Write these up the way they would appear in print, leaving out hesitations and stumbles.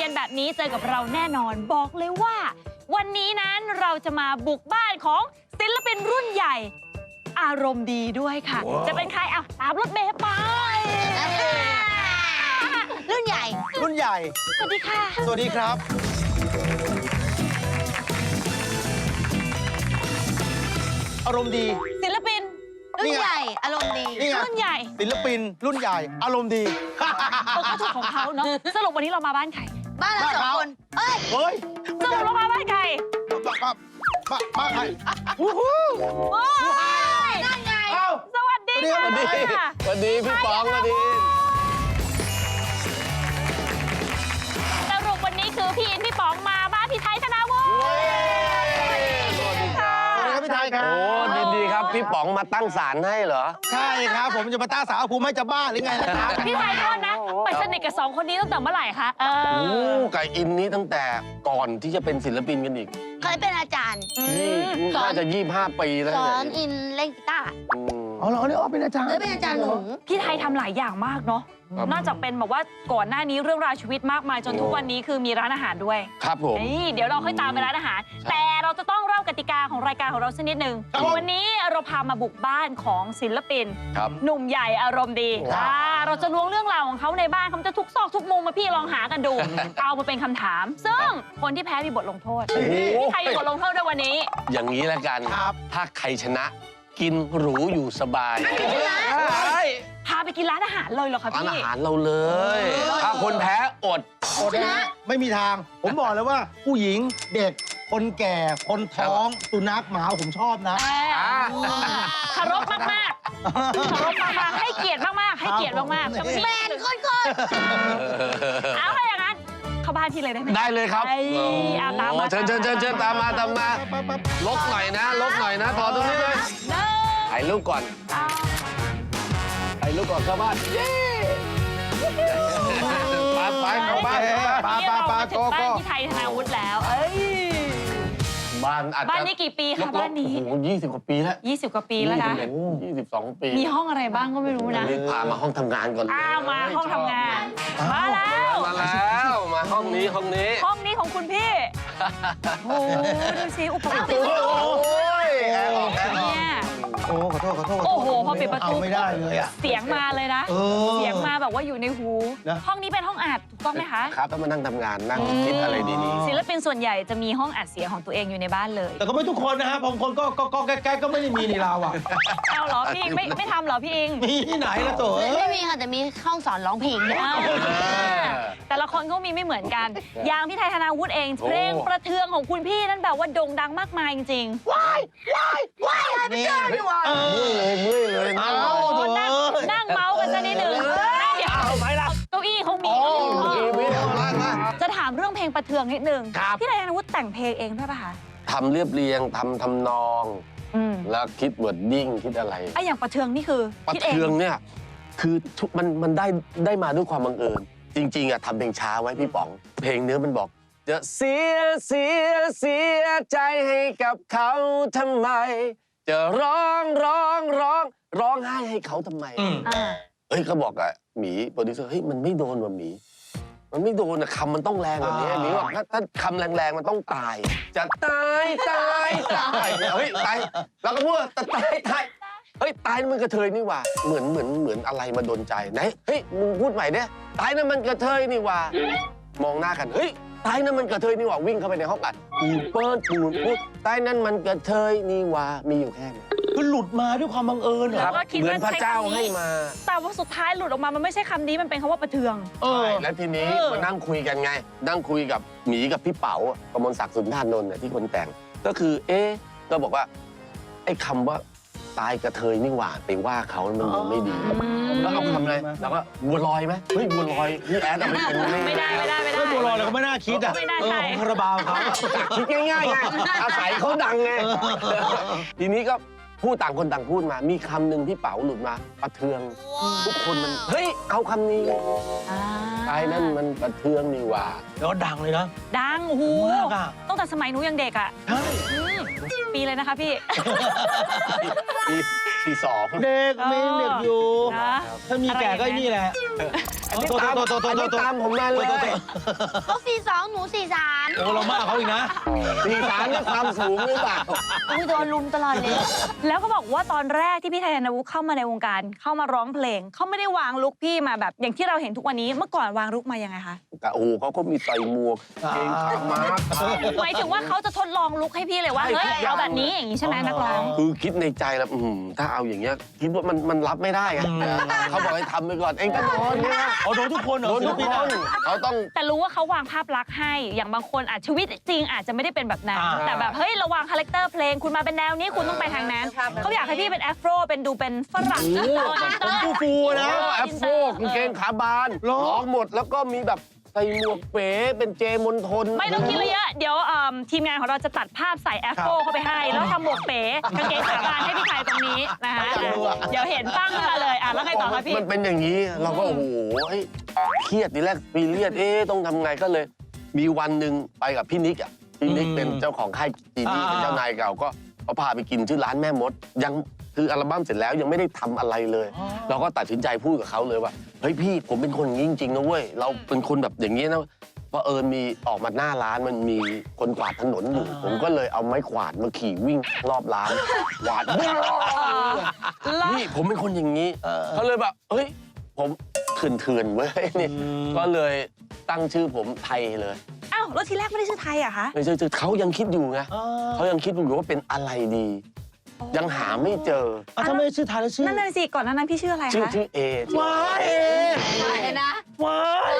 ย็นๆแบบนี้เจอกับเราแน่นอนบอกเลยว่า วันนี้นั้นเราจะมาบุกบ้านของศิลปินรุ่นใหญ่ อารมณ์ดีด้วยค่ะ จะเป็นใครอ่ะตามรถเมล์ไปรุ่นใหญ่รุ่นใหญ่สวัสดีค่ะสวัสดีครับ อารมณ์ดีศิลปินรุ่นใหญ่อารมณ์ดีนี่ไงรุ่นใหญ่ศิลปินรุ่นใหญ่ อารมณ์ดีก็ถูกของเขาเนาะสรุปวันนี้เรามาบ้านใครบ้านเราสองคนเอ้ยเฮ้ยสรุปเรามาบ้านใครมาใครโอ้ยนั่นไงเอ้าสวัสดีค่ะสวัสดีสวัสดีพี่ป๋องสวัสดีสรุปวันนี้คือพี่อินพี่ป๋องมาบ้านพี่ไทยธนาวุฒิสวัสดีครับสวัสดีครับพี่ไทยครับโอ้ดีครับพี่ป๋องมาตั้งศาลให้เหรอใช่ครับผมจะมาต้าสาวภูมิให้จะบ้าหรือไงนะครับพี่ไทยโทษนะไปสนิทกับสองคนนี้ตั้งแต่เมื่อไหร่คะโอ้ไก่อินนี้ตั้งแต่ก่อนที่จะเป็นศิลปินกันอีกเคยเป็นอาจารย์ สอนน่าจะ25 ปีแล้วสอนเนี่ยอินเล่นกีตาร์อ๋อเหรอเนี่ยอ๋อเป็นอาจารย์เคยเป็นอาจารย์หนูพี่ไทยทำหลายอย่างมากเนาะนอกจากเป็นแบบว่าก่อนหน้านี้เรื่องราวชีวิตมากมายจนทุกวันนี้คือมีร้านอาหารด้วยครับผมนี่เดี๋ยวเราค่อยตามไปร้านอาหาร แต่เราจะต้องเล่ากติกาของรายการของเราสักนิดนึงวันนี้เราพามาบุกบ้านของศิลปินครับหนุ่มใหญ่อารมณ์ดีเราจะล้วงเรื่องราวของเขาในบ้านเขาจะทุกซอกทุกมุมมาพี่ลองหากันดู เอามาเป็นคำถาม ซึ่งคนที่แพ้มีบทลงโทษพี่ไทยมีบทลงโทษด้วยวันนี้อย่างนี้แล้วกันครับถ้าใครชนะกินหรูอยู่สบายใช่พาไปกินร้านอาหารเลยเหรอคะร้านพี่อาหารเราเลย ถ้าคนแพ้อดอดนะไม่มีทาง ผมบอกเลยว่าผู้หญิงเด็ก คนแก่ คนท้อง สุนัขหมาผมชอบนะเคารพมากๆเคารพมากๆให้เกียรติมากๆให้เกียรติมากๆแมนโคตรเอาอะไรอย่างนั้นเข้าบ้านที่เลยได้ไหมได้เลยครับเอาตามมาเชิญตามมาลบหน่อยนะถอดตรงนี้เลยเด้อถ่ายรูปก่อนถ่ายรูปก่อนเข้าบ้านเย้ไปเข้าบ้านปาถึงบ้านที่ไทยธนาวุฒิแล้วบ้านอาจจะบ้านนี้กี่ปีคะบ้านนี้โอ้โห20 กว่าปีแล้ว 20 กว่าปีแล้วนะ 22 ปีมีห้องอะไรบ้างก็ไม่รู้นะรีบพามาห้องทำงานก่อนเลยอ้าวมาห้องทำงาน มาแล้วมาห้องนี้ห้องนี้ของคุณพี่โอ้โหดูสิอุปกรณ์โอ้ยแอร์ออกเนี่ยโอ้ขอโทษโอ้โหพอปิดประตูเอาไม่ได้เลยอะเสียงมาเลยนะ เสียงมาแบบว่าอยู่ในหูนะห้องนี้เป็นห้องอัดถูกต้องไหมคะครับต้องมานั่งทำงานนั่งคิดอะไรดีศิลปินส่วนใหญ่จะมีห้องอัดเสียงของตัวเองอยู่ในบ้านเลยแต่ก็ไม่ทุกคนนะฮะบางคนก็แก๊กก็ไม่ได้มีในเราอ่ะเอาเหรอพี่อิงไม่ทำเหรอพี่อิงมีที่ไหนละโถไม่มีค่ะแต่มีห้องสอนร้องเพลงด้วยแต่ละคนก็มีไม่เหมือนกัน อย่างพี่ไทยธนาวุฒิเองเพลงประเทืองของคุณพี่นั่นแบบว่าโด่งดังมากมายจริงๆนี่ๆเมื่อยเลยเอาโอ้โถนั่งเมาส์กันซะนิดนึงเดี๋ยวเอาไปละเก้าอี้เขามีจะถามเรื่องเพลงประเทืองนิดนึงพี่ไทยธนาวุฒิแต่งเพลงเองด้วยป่ะคะทำเรียบเรียงทำนอง แล้วคิดวอร์ดดิ้งคิดอะไรไอ้อย่างประเทืองนี่คือประคิดเองเทืองเนี่ยคือมันได้มาด้วยความบังเอิญจริงๆอะทำเพลงช้าไว้พี่ป๋อง เพลงเนื้อมันบอกจะเสียใจให้กับเขาทำไม จะร้องไห้ให้เขาทำไมอ่าเฮ้ยก็บอกอะหมีโปรดิวเซอร์เฮ้ยมันไม่โดนว่ะหมี มันไม่โดนอะคำมันต้องแรงกว่านี้หมีบอกถ้าคำแรงๆมันต้องตาย จะตายเฮ้ยตายแล้วก็พูดว่าตายเฮ้ยตายนั่นมันกระเทยนี่หว่าเหมือนอะไรมาโดนใจไหนเฮ้ยมึงพูดใหม่เนี่ยตายนั่นมันกระเทยนี่หว่ามองหน้ากันเฮ้ยตายนั่นมันกระเทยนี่หว่าวิ่งเข้าไปในห้องอัดปูนเปิ้ลปูนพูดตายนั่นมันกระเทยนี่หว่ามีอยู่แค่นี้คือหลุดมาด้วยความบังเอิญเหรอแล้วก็คิดเหมือว่านพระเจ้าให้มาแต่ว่าสุดท้ายหลุดออกมามันไม่ใช่คำนี้มันเป็นคำว่าประเทืองเออใช่แล้วทีนี้มานั่งคุยกันไง นั่งคุยกับหมีกับพี่เป๋ากมลศักดิ์สุนทรานนท์เนี่ยที่คนแต่ง ก็คือก็บอกว่าไอ้คำว่าตายกระเทยนี่หว่าไปว่าเขามันดูไม่ดีแล้วเอาคำอะไรแล้วก็บัวลอยไหมเฮ้ยบัวลอยพี่แอดเอาไปเป็นไม่ได้เรื่องบัวลอยเราก็ไม่น่าคิดอ่ะไม่น่าใช่ของคาราบาวเขาคิดง่ายๆไงอาศัยเขาดังไงทีนี้ก็พูดต่างคนต่างพูดมา มีคำหนึ่งที่เป๋าหลุดมาประเทืองทุกคนมันเฮ้ยเอาคำนี้อ่าไอ้นั่นมันประเทืองนี่หว่าแล้วดังเลยนะดังโอ้โหมากอะตั้งแต่สมัยหนูยังเด็กอ่ะใช่อืมปีเลยนะคะพี่ปีสองเด็กมีเด็กอยู่นะถ้ามีแก่ก็ไอ้นี่แหละอันนี้ตามผมมาเลยเขา42 หนู 43 โอ้เรามากเขาอีกนะ 43เนี่ยความสูงหรือเปล่าอุ้ยโดนลุมตลอดเลยแล้วก็บอกว่าตอนแรกที่พี่ไทยธนวุฒิเข้ามาในวงการเข้ามาร้องเพลงเขาไม่ได้วางลุคพี่มาแบบอย่างที่เราเห็นทุกวันนี้เมื่อก่อนวางลุคมายังไงคะโอ้โหเขาก็มีใส่หมวกเกงขาม้าหมายถึงว่าเขาจะทดลองลุคให้พี่เลยว่าใช่เฮ้ยทุกอย่างเอาแบบนี้อย่างนี้ใช่ไหมนักร้องคือคิดในใจแล้วถ้าเอาอย่างเงี้ยคิดว่ามันรับไม่ได้ไงเขาบอกให้ทำไปก่อนเองก็โดนเนี่ยโอ้โดนทุกคนเหรอโดนทุกคนเขาต้องแต่รู้ว่าเขาวางภาพลักษณ์ให้อย่างบางคนอาจชีวิตจริงอาจจะไม่ได้เป็นแบบนั้นอ่าแต่แบบเฮ้ยระวังคาแรคเตอร์เพลงคุณมาเป็นแนวนี้คุณต้องไปทางนั้นเขาอยากให้พี่เป็นแอฟโรเป็นดูเป็นฝรั่งโอ้โหผมฟูๆนะแอปโฟกางเกงขาบานร้องหมดแล้วก็มีแบบใส่หมวกเป๋เป็นเจมนทนไม่ต้องคิดเลยเยอะเดี๋ยวทีมงานของเราจะตัดภาพใส่แอฟโฟเข้าไปให้ แล้วทำหมวกเป๋กางเกงขาบานให้พี่ไทยตรงนี้นะคะเดี๋ยวเห็นตั้งมาเลยแล้วไงต่อคะพี่มันเป็นอย่างนี้เราก็โอ้โหเครียดทีแรกปีเลียดต้องทำไงก็เลย มีวันหนึ่งไปกับพี่นิกอ่ะพี่นิกเป็นเจ้าของค่ายจีนี่เป็นเจ้านายเก่าก็เขาพาไปกินชื่อร้านแม่มดยังคืออัลบั้มเสร็จแล้วยังไม่ได้ทำอะไรเลย เราก็ตัดสินใจพูดกับเขาเลยว่าเฮ้ยพี่ผมเป็นคนอย่างนี้จริงๆนะเว้ยเราเป็นคนแบบอย่างนี้นะเพราะมีออกมาหน้าร้านมันมีคนกวาดถนนอยู่ผมก็เลยเอาไม้กวาดมาขี่วิ่งรอบร้านกวาด นี่ผมเป็นคนอย่างนี้เขาเลยแบบเฮ้ยผมเถื่อนๆเว้ยนี่ก็เลยตั้งชื่อผมไทยเลยอ้าวแล้วทีแรกไม่ได้ชื่อไทยอะคะไม่ใช่เขายังคิดอยู่ไงเขายังคิดอยู่ว่าเป็นอะไรดี ยังหาไม่เจอถ้าไม่ชื่อไทยแล้วชื่อนั่นน่ะสิก่อนหน้านั้นพี่ชื่ออะไรชื่อคะชื่อเอว้ายเออะไรนะว้าย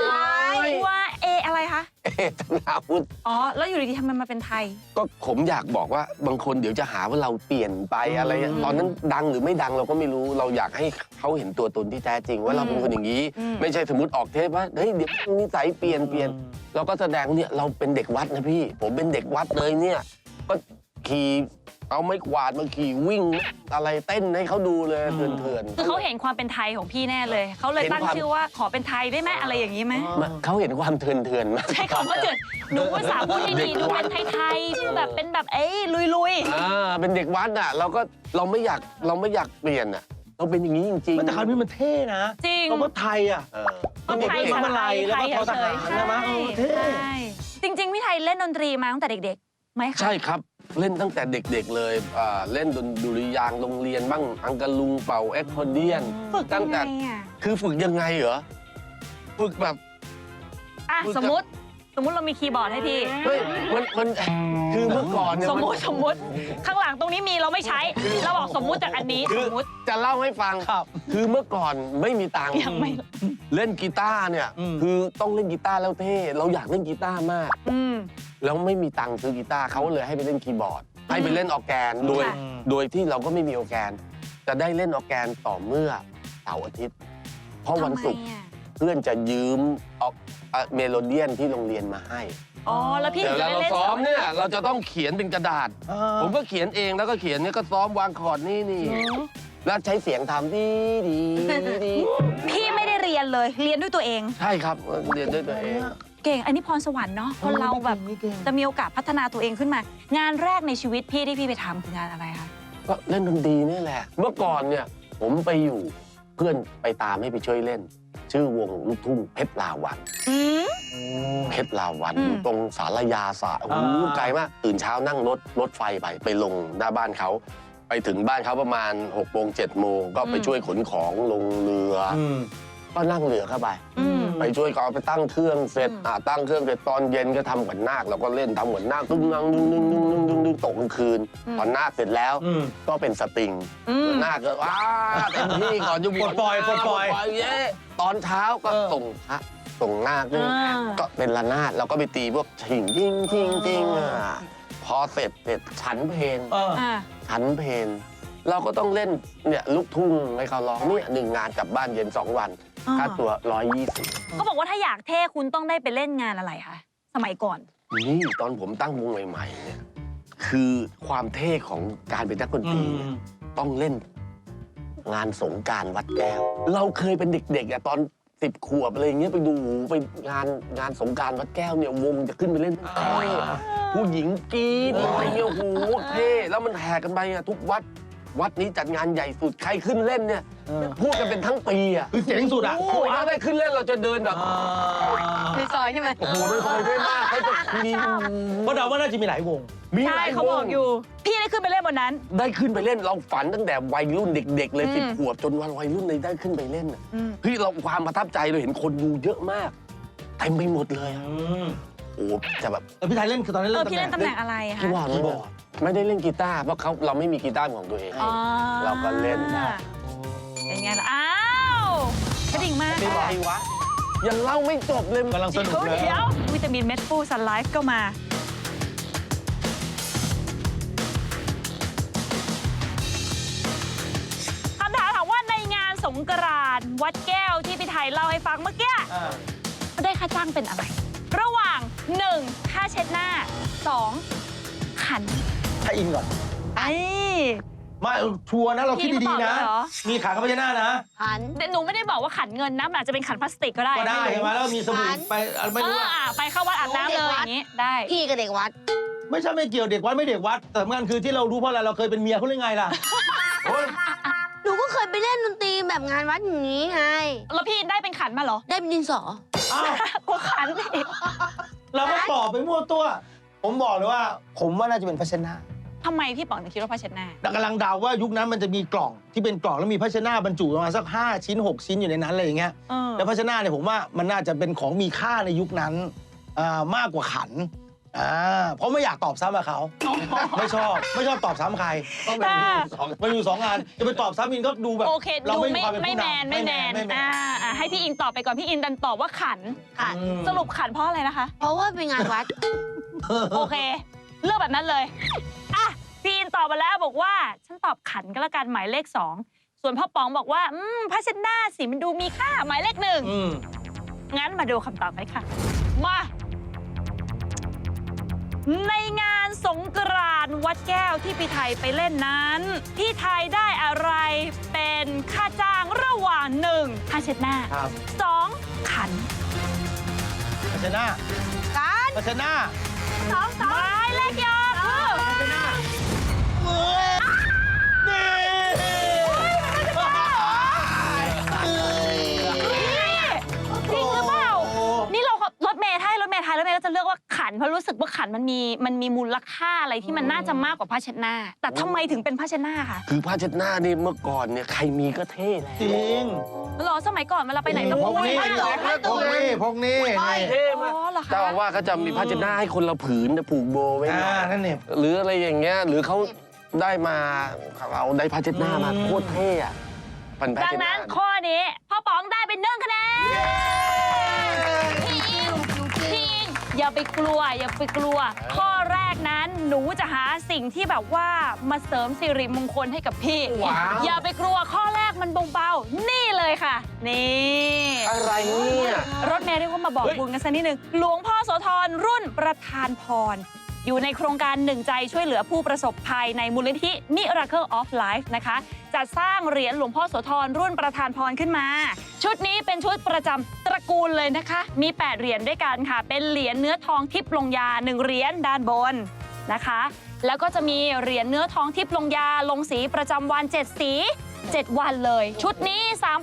ว่าเออะไรคะเอธนาวุฒิอ๋อแล้วอยู่ดีๆทำไมมาเป็นไทยก็ผมอยากบอกว่าบางคนเดี๋ยวจะหาว่าเราเปลี่ยนไปอะไรตอนนั้นดังหรือไม่ดังเราก็ไม่รู้เราอยากให้เขาเห็นตัวตนที่แท้จริงว่าเราเป็นคนอย่างนี้ ไม่ใช่สมมติออกเทปว่าเฮ้ยเดี๋ยวนิสัยเปลี่ยนเราก็แสดงเนี่ยเราเป็นเด็กวัดนะพี่ ผมเป็นเด็กวัดเลยเนี่ยก็ขี่เอาไม้กวาดมาขี่วิ่งอะไรเต้นให้เขาดูเลยเถื่อนคือเขาเห็นความเป็นไทยของพี่แน่เลยเขาเลยตั้งชื่อว่าขอเป็นไทยได้ไหมอะไรอย่างนี้ไหมเขาเห็นความเถื่อนๆมาใช่คำว่าเถื่อนดูว่าสาวพูดให้ดีดูเป็นไทยๆดูแบบเป็นแบบลุยเป็นเด็กวัดอ่ะเราไม่อยากเปลี่ยนอ่ะเราเป็นอย่างนี้จริงๆแต่คำนี้มันเท่นะจริงคำว่าไทยอ่ะก็ไทยเด็กสๆไตล์แล้วไทก็ยทอทหารเฉยๆใช่ไหมเท่ใช่จริง ๆพี่ไทยเล่นดนตรีมาตั้งแต่เด็กๆไหมคะใช่ครับเล่นตั้งแต่เด็กๆเลยเล่นดุริยางค์โรงเรียนบ้างอังกะลุงเป่าแอคคอร์เดียนฝึกยัตั้งงไงแต่อ่ะคือฝึกยังไงเหรอฝึกแบบอ่ะฝึกสมมติเรามีคีย์บอร์ดให้พี่เฮ้ยมันคือเมื่อก่อนเนี่ยสมมติข้างหลังตรงนี้มีเราไม่ใช้เราบอกสมมุติจากอันนี้คือสมมติจะเล่าให้ฟังครับคือเมื่อก่อนไม่มีตังค์ยังไม่เล่นกีตาร์เนี่ย คือต้องเล่นกีตาร์แล้วเท่เราอยากเล่นกีตาร์มากอืมแล้วไม่มีตังค์ซื้อกีตาร์เขาเลยให้ไปเล่นคีย์บอร์ด ให้ไปเล่นออร์แกนโดยค่ะโดยที่เราก็ไม่มีออร์แกน จะได้เล่นออร์แกนต่อเมื่อเสาร์อาทิตย์ เพราะวันศุกร์ทำไมอ่ะเพื่อนจะยืมเมโลเดียนที่โรงเรียนมาให้อ๋อแล้วพี่เดี๋ยวจะเวลาได้เราเล่นซ้อมเนี่ยเราจะต้องเขียนเป็นกระดาษอ่าผมก็เขียนเองแล้วก็เขียนเนี่ยก็ซ้อมวางคอร์ดนี่แล้วใช้เสียงทำดีพี่ไม่ได้เรียนเลยเรียนด้วยตัวเองใช่ครับเรียนด้วยตัวเองเก่งอันนี้พรสวรรค์เนาะคนเราแบบจะมีโอกาสพัฒนาตัวเองขึ้นมา งานแรกในชีวิตพี่ที่พี่ไปทำคืองานอะไรคะก็เล่นดนตรีนี่แหละ เมื่อก่อนเนี่ยผมไปอยู่เพื่อนไปตามให้ไปช่วยเล่น ชื่อวงลูกทุ่งเพชรลาวัน เพชรลาวันอืมอยู่ตรงสารยาสระโอ้โหไกลมากตื่นเช้านั่งรถไฟไปลงหน้าบ้านเขาไปถึงบ้านเขาประมาณ6 โมง 7 โมงก็ไปช่วยขนของลงเรือ ก็นั่งเรือเข้าไปอืมไปช่วยเขาเอาไปตั้งเครื่องเสร็จตั้งเครื่องเสร็จตอนเย็นก็ทำเหมือนนาคเราก็เล่นทำเหมือนนาคตึ้งนั่งดึงตกกลางคืนตอนนาคเสร็จแล้วก็เป็นสตริง นาคก็ว้าเต็มที่ก่อนจะบวชปล่อยเย้ตอนเช้าก็ส่งพระส่งนาคด้วยอ่าก็เป็นระนาดเราก็ไปตีพวกถิงทิ้งพอเสร็จฉันเพลงอ่าฉันเพลงเราก็ต้องเล่นเนี่ยลูกทุ่งให้เขาร้องเนี่ย1 งานกลับบ้านเย็น2 วันค่าตัว120 เขาบอกว่าถ้าอยากเท่คุณต้องได้ไปเล่นงานอะไรคะสมัยก่อนนี่ตอนผมตั้งวงใหม่ๆเนี่ยคือความเท่ของการเป็นนักดนตรีเนี่ยต้องเล่นงานสงกรานต์วัดแก้ว เราเคยเป็นเด็กๆอะตอน 10 ขวบอะไรอย่างเงี้ยไปดูไปงานสงกรานต์วัดแก้วเนี่ยวงจะขึ้นไปเล่นผู้หญิงกรี๊ดอะไรเงี้ยโอ้โหเท่แล้วมันแห่กันไปอะทุกวัดนี้จัดงานใหญ่สุดใครขึ้นเล่นเนี่ยพูดกันเป็นทั้งปีอะคือเจ๋งสุดอ่ะโอ้ยถ้าได้ขึ้นเล่นเราจะเดินแบบในซอยใช่ไหมโอ้โหไม่คอยด้วยมากเขาจะคุยเพราะเดาว่าน่าจะมีหลายวงมีหใช่ลายเขาวบอกงอยู่ พี่ได้ขึ้นไปเล่นบนนั้นได้ขึ้นไปเล่นเราฝันตั้งแต่วัยรุ่นเด็ก ๆ เลยอืม 10 ขวบจนวัยรุ่นเลยได้ขึ้นไปเล่นอะอืมพี่เราความประทับใจเราเห็นคนดูเยอะมากเต็มไปหมดเลยอะโอ้จะแบบแล้วพี่ไทยเล่นคือตอนนี้พี่เล่นตำแหน่งอะไรคะพี่ว่าไม่บอกไม่ได้เล่นกีตาร์เพราะเราไม่มีกีตาร์ของตัวเองอ๋อเราก็เล่นได้เป็นไงล่ะ อ้าวกระดิ่งมากไม่ไหววะยังเล่าไม่จบเลยกำลังสนุกเลยเดี๋ยววิตามินเม็ดฟูซันไลฟ์ก็มา คำถามถามว่าในงานสงกรานต์วัดแก้วที่พี่ไทยเล่าให้ฟังเมื่อกี้ได้ค่าจ้างเป็นอะไร ระหว่าง 1. ค่าเช็ดหน้า 2. ขันถ้าอินก่อนไอ้มาชัวร์นะเราคิดดีๆนะพี่เขาตอบเลยเหรอมีขาข้าพเจ้าหน้านะหันแต่หนูไม่ได้บอกว่าขันเงินนะมันอาจจะเป็นขันพลาสติกก็ได้ก็ได้ม่ใช่รู้ไหมแล้วมีสบู่ร้านไปไม่รู้อะไปเข้าวัดอาบน้ำเลยอย่างนี้ได้พี่กับเด็กวัดไม่ใช่ไม่เกี่ยวเด็กวัดไม่เด็กวัด แต่สำคัญคือที่เรารู้เพราะอะไรเราเคยเป็นเมียเขาหรือไงล่ะโอ้ยหนูก็เคยไปเล่นดนตรีแบบงานวัดอย่างนี้ไงแล้วพี่ได้เป็นขันมาเหรอได้เป็นดินสออ้าวกูขันอีกเราก็ตอบไปมั่วตัว ผมบอกเลยว่า ผมว่าน่าจะเป็นภาชนะทำไมพี่ป๋องถึงคิดว่าผ้าเช็ดหน้าแต่กำลังเดาว่ายุคนั้นมันจะมีกล่องที่เป็นกล่องแล้วมีภาชนะบรรจุประมาณสัก5 ชิ้น 6 ชิ้นอยู่ในนั้นอะไรอย่างเงี้ยเออแล้วภาชนะเนี่ยผมว่ามันน่าจะเป็นของมีค่าในยุคนั้นมากกว่าขันเพราะไม่อยากตอบซ้ำกับเขา ไม่ชอบตอบซ้ำใครต้องเป็นสองมันอยู่2 งานจะไปตอบซ้ำอินก็ดูแบบโอเคเราดูไม่มีไม่ความเป็นไม่ผู้แมนนำไม่แมนไม่แมนให้พี่อินตอบไปก่อนพี่อินดันตอบว่าขันขันสรุปขันเพราะอะไรนะคะเพราะว่าเป็นงานวัดโอเค เลือกแบบนั้นเลยอ่ะพี่อินตอบมาแล้วบอกว่าฉันตอบขันก็แล้วกันหมายเลข 2 ส่วนพ่อป๋องบอกว่าผ้าเช็ดหน้าสิมันดูมีค่าหมายเลขอืม 1งั้นมาดูคำตอบกันค่ะมาในงานสงกรานต์วัดแก้วที่พี่ไทยไปเล่นนั้นพี่ไทยได้อะไรเป็นค่าจ้างระหว่าง 1. ผ้าเช็ดหน้าครับ 2. ขันภาชนะการภาชนะหมายเลขยอคือนี่จริงหรือเปล่า นี่เรารถเมย์ไทยรถเมย์ก็จะเลือกว่าขันเพราะรู้สึกว่าขันมันมีมูลค่าอะไรที่มันน่าจะมากกว่าผ้าเช็ดหน้า แต่ทำไมถึงเป็นผ้าเช็ดหน้าคะคือผ้าเช็ดหน้านี่เมื่อก่อนเนี่ยใครมีก็เท่แล้วจริงหรอสมัยก่อนเวลาไปไหนต้องพกนี่ผ้าเหรอพกนี่พกนี่เท่มากอ๋อเหรอคะเจ้าอาว่าสก็จะมีผ้าเช็ดหน้าให้คนละผืนจะผูกโบไว้หน่อยนั่นเนี่ยหรืออะไรอย่างเงี้ยหรือเขาได้มาเราได้ผ้าเช็ดหน้ามาโคตรเท่อะเป็นผ้าดังเช็ดหนั้น้านข้อนี้พ่อป๋องได้เป็น1 คะแนนพี่อิงอย่าไปกลัวข้อแรกนั้นหนูจะหาสิ่งที่แบบว่ามาเสริมสิริมงคลให้กับพี่ว้าวอย่าไปกลัวข้อแรกมันเบาๆนี่เลยค่ะ นี่อะไรเนี่ยรถเมย์เรียกว่ามาบอกบุญกันสักนิดนึงหลวงพ่อโสธรรุ่นประธานพร อยู่ในโครงการหนึ่งใจช่วยเหลือผู้ประสบภัยในมูลนิธิ Miracle of Life นะคะจัดสร้างเหรียญหลวงพ่อโสธรรุ่นประธานพรขึ้นมา ชุดนี้เป็นชุดประจำตระกูลเลยนะคะ มี 8 เหรียญด้วยกันค่ะ เป็นเหรียญเนื้อทองทิพย์ลงยา 1 เหรียญด้านบนนะคะ แล้วก็จะมีเหรียญเนื้อทองทิพย์ลงยาลงสีประจำวัน 7 สี 7 วันเลย ชุดนี้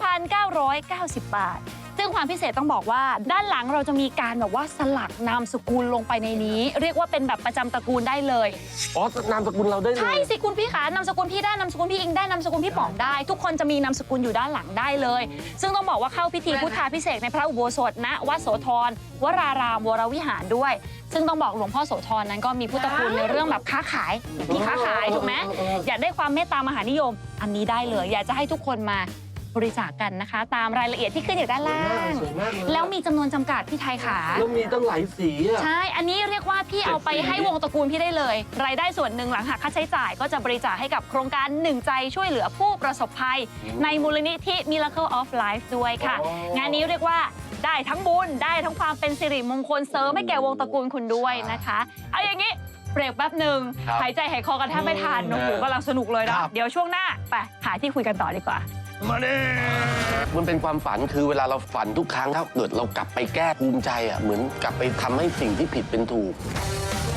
3,990 บาท ซึ่งความพิเศษต้องบอกว่าด้านหลังเราจะมีการแบบว่าสลักนามสกุลลงไปในนี้ เรียกว่าเป็นแบบประจำตระกูลได้เลยอ๋อนามสกุลเราได้เลใช่ยสิคุณพี่ขานามสกุลพี่ได้นามสกุลพี่อิงได้นามสกุลพี่ป๋องได้ ทุกคนจะมีนามสกุลอยู่ด้านหลังได้เลย ซึ่งต้องบอกว่าเข้าพิธีพุทธาพิเศษกในพระอุโบสถณวัดโสธรวรารามวรวิหารด้วย ซึ่งต้องบอกหลวงพ่อโสธรนั้นก็มีพุทธคุณในเรื่องแบบค้าขายพี่ค้าขายถูกไหมอยากได้ความเมตตามหานิยม อันนี้ได้เลย อยากจะให้ทุกคนมาบริจาคกันนะคะ ตามรายละเอียดที่ขึ้นอยู่ด้านล่างสวยมากเลยแล้วมีจำนวนจำกัดพี่ไทยขาแล้วมีตั้งหลายสีอะใช่ อันนี้เรียกว่าพี่เอาไปให้วงตระกูลพี่ได้เลย รายได้ส่วนหนึ่งหลังหักค่าใช้จ่ายก็จะบริจาคให้กับโครงการหนึ่งใจช่วยเหลือผู้ประสบภัย ในมูลนิธิ Miracle of Life ด้วยค่ะ งานนี้เรียกว่าได้ทั้งบุญได้ทั้งความเป็นสิริมงคลเสริมให้แก่วงตระกูลคุณด้วยนะคะ เอาอย่างนี้เบรกแป๊บหนึ่งหายใจหายคอกันแทบไม่ทันโอ้โหกำลังสนุกเลยนะเดี๋ยวช่วงหน้าไปหาที่คุยกันต่อดีกว่ามาเด้มันเป็นความฝันคือเวลาเราฝันทุกครั้งถ้าเกิดเรากลับไปแก้ภูมิใจอ่ะเหมือนกลับไปทำให้สิ่งที่ผิดเป็นถูก